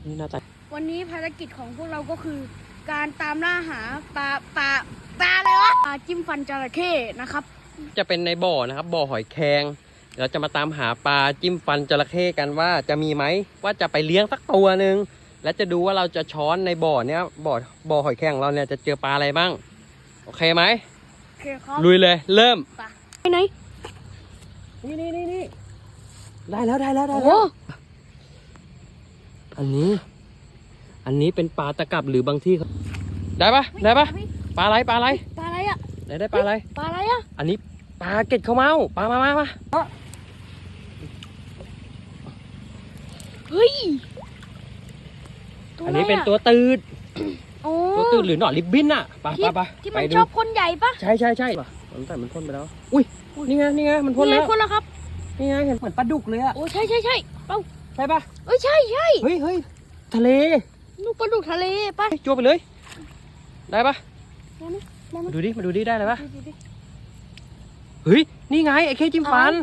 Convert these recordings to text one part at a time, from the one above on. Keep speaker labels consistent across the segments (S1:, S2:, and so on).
S1: นี่น่าจะ
S2: วันนี้ภารกิจของพวกเราก็คือ การตามล่าหาปลาอะไรวะปลาจิ้มฟันจระเข้นะครับ
S1: จะเป็นในบ่อนะครับบ่อหอยแครงเราจะมาตามหาปลาจิ้มฟันจระเข้กันว่าจะมีไหมว่าจะไปเลี้ยงสักตัวหนึ่งและจะดูว่าเราจะช้อนในบ่อเนี้ยบ่อหอยแครงของเราเนี่ยจะเจอปลาอะไรบ้างโอเคไหม
S2: โอเคครับ
S1: ลุยเลยเริ่ม
S2: ไปไหน
S1: นี่ได้แล้ว
S2: โอ้
S1: อันนี้เป็นปลาตะกับหรือบางที่ได้ปะปลาอะไร
S2: ปลาอะไรอ่ะ
S1: ได้ปลาอะไร
S2: อ่ะ
S1: อันนี้ปลาเกล็ดข้าวเมาปลามา
S2: เฮ้ย
S1: อันนี้เป็นตัวตืด
S2: ตัว
S1: ตืดหรือหนอนริบบิ้นอ่ะปลา
S2: ที่มันชอบพ่นใหญ่ปะ
S1: ใช่แต่มันพ่นไปแล้วอุ้ยนี่ไงมันพ่นแล้ว
S2: ครับ
S1: นี่ไงเห็นเหมือนปลาดุกเลยอ่ะ
S2: โอ้ใช่เป้า
S1: ใช่ปะ
S2: ใช่
S1: เฮ้ยทะเล
S2: ลูกปลาดุกทะเลปะ
S1: จั่วไปเลยได้ปะมาดูดิได้เลยปะเฮ้ยนี่ไงไอ้เคจิ้มฟัน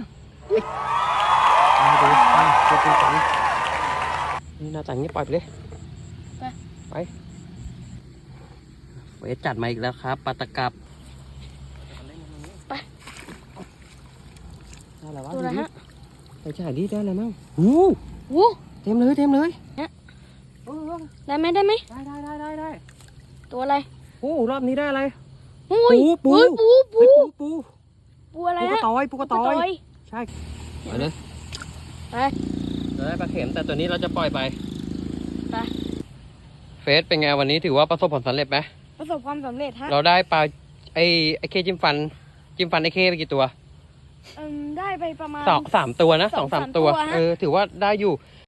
S1: นี่น่าจะงี้ปล่อยไปเลยไปเวทจัดมาอีกแล้วครับปลาตะกับ
S2: ไป
S1: ได้แล้ววะ
S2: ตัวอะไรฮะ
S1: ไปจ่ายดิได้อะไรมั่งเต็มเลย
S2: ได้ไหม
S1: ได้
S2: ตัวอะไร
S1: รอบนี้ได้อะไร
S2: ปูอะไรฮะ
S1: ปูกระตอยใช่ไปเลยเราได้ปลาเข็มแต่ตัวนี้เราจะปล่อยไปเฟสเป็นไงวันนี้ถือว่าประสบผลสำเร็จไหม
S2: ประสบความสำเร็จฮะ
S1: เราได้ปลาไอ้เคจิ้มฟันไอ้เคไปกี่ตัว
S2: ได้ไปประมาณ
S1: 3 ตัวนะ2-3 ตัวถือว่าได้อยู่